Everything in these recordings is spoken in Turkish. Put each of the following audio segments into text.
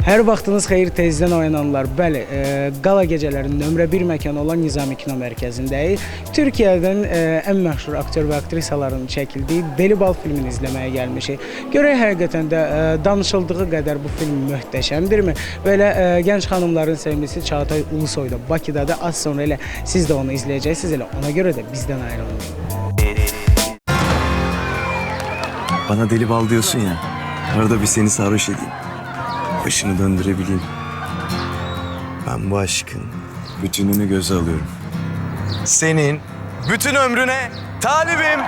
Hər vaxtınız xeyir, tezdən oyananlar. Bəli, qala gecələrinin nömrə 1 məkanı olan Nizami Kino Mərkəzindəyik. Türkiyədən ən məşhur aktyor və aktrisaların çəkildiyi Deli Bal filmini izləməyə gəlmişik. Görək həqiqətən də danışıldığı qədər bu film möhtəşəmdirmi? Belə gənc xanımların sevgilisi Çağatay Ulusoy da Bakıdadır. Az sonra elə siz də onu izləyəcəksiniz. Elə ona görə də bizdən ayrılmayın. Bana deli bal diyorsun ya, arada bir seni sarhoş edeyim. Başını döndürebileyim. Ben bu aşkın bütününü göze alıyorum. Senin bütün ömrüne talibim.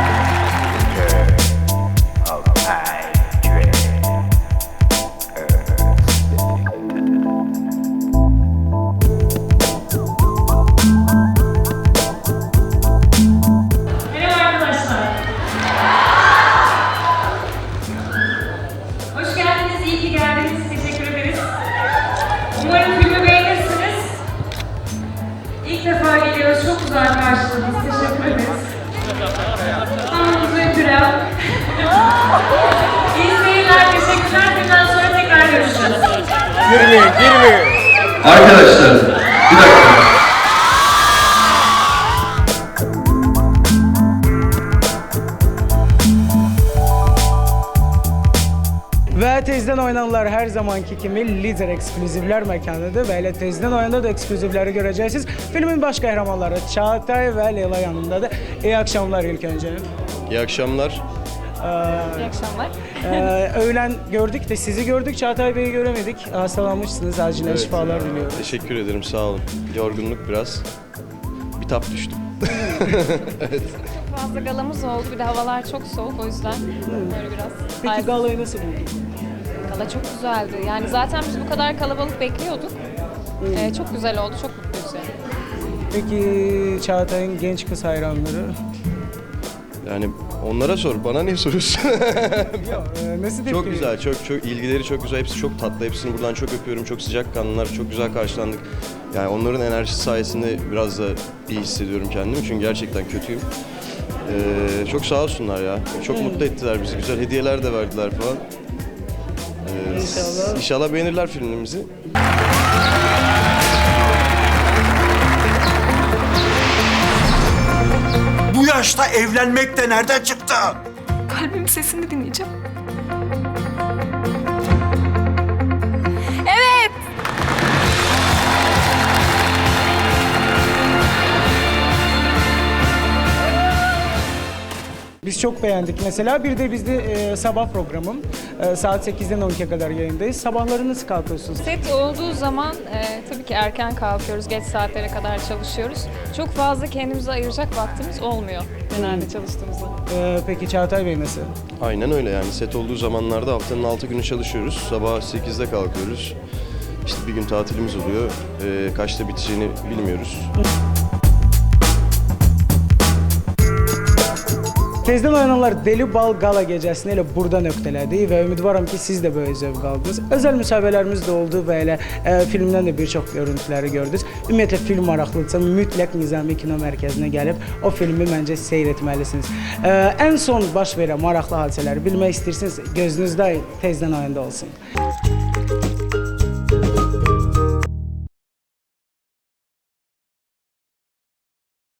İlk defa geliyoruz. Çok güzel karşıladınız. Teşekkür ederiz. Tamamımızı öpürüm. İyi seyirler. Teşekkürler. Bundan sonra tekrar görüşürüz. Girmeyin. Arkadaşlar, bir dakika. Və tezdən oynananlar hər zamanki kimi lider eksklüzivlər məkanıdır və elə tezdən oyanda da eksklüzivləri görəcəksiniz. Filmin baş qəhrəmanları Çağatay və Leyla yanındadır. İyi akşamlar ilk önce. İyi akşamlar. İyi akşamlar. Öğlen gördük de sizi gördük. Çağatay Bey'i göremedik. Hastalanmışsınız. Acilen şifalar diliyorum. Teşekkür ederim, sağ olun. Yorgunluk biraz. Bir tap düştüm. Evet. Çok fazla galamız oldu. Bir de havalar çok soğuk. O yüzden böyle biraz... Peki galayı nasıl buldun? Gala çok güzeldi. Yani zaten biz bu kadar kalabalık bekliyorduk. Çok güzel oldu. Çok mutluyuz yani. Peki Çağatay'ın genç kız hayranları? Yani onlara sor, bana niye soruyorsun? Nasıl tepki? Çok güzel, çok ilgileri çok güzel. Hepsi çok tatlı. Hepsini buradan çok öpüyorum. Çok sıcakkanlılar, çok güzel karşılandık. Yani onların enerjisi sayesinde biraz da iyi hissediyorum kendimi. Çünkü gerçekten kötüyüm. Çok sağ olsunlar ya. Çok mutlu ettiler bizi. Güzel hediyeler de verdiler falan. İnşallah. İnşallah beğenirler filmimizi. Bu yaşta evlenmek de nereden çıktı? Kalbimin sesini dinleyeceğim. Biz çok beğendik mesela. Bir de bizde sabah programım. Saat 8'den 12'ye kadar yayındayız. Sabahları nasıl kalkıyorsunuz? Set olduğu zaman tabii ki erken kalkıyoruz. Geç saatlere kadar çalışıyoruz. Çok fazla kendimize ayıracak vaktimiz olmuyor genelde çalıştığımızda. Peki Çağatay Bey nasıl? Aynen öyle yani. Set olduğu zamanlarda haftanın 6 günü çalışıyoruz. Sabah 8'de kalkıyoruz. İşte bir gün tatilimiz oluyor. Kaçta biteceğini bilmiyoruz. Tezdən oyananlar Deli Bal Qala gecəsini elə burada nöqtələdik və ümidvaram ki, siz də böyle zövq aldınız. Özəl müsahibələrimiz də oldu və elə filmdən də bir çox görüntüləri gördünüz. Ümumiyyətlə film maraqlıdırsa mütləq Nizami Kino Mərkəzinə gəlib o filmi məncə seyr etməlisiniz. Ən son baş verən maraqlı hadisələri bilmək istəyirsiniz, gözünüzdə tezdən oyanda olsun.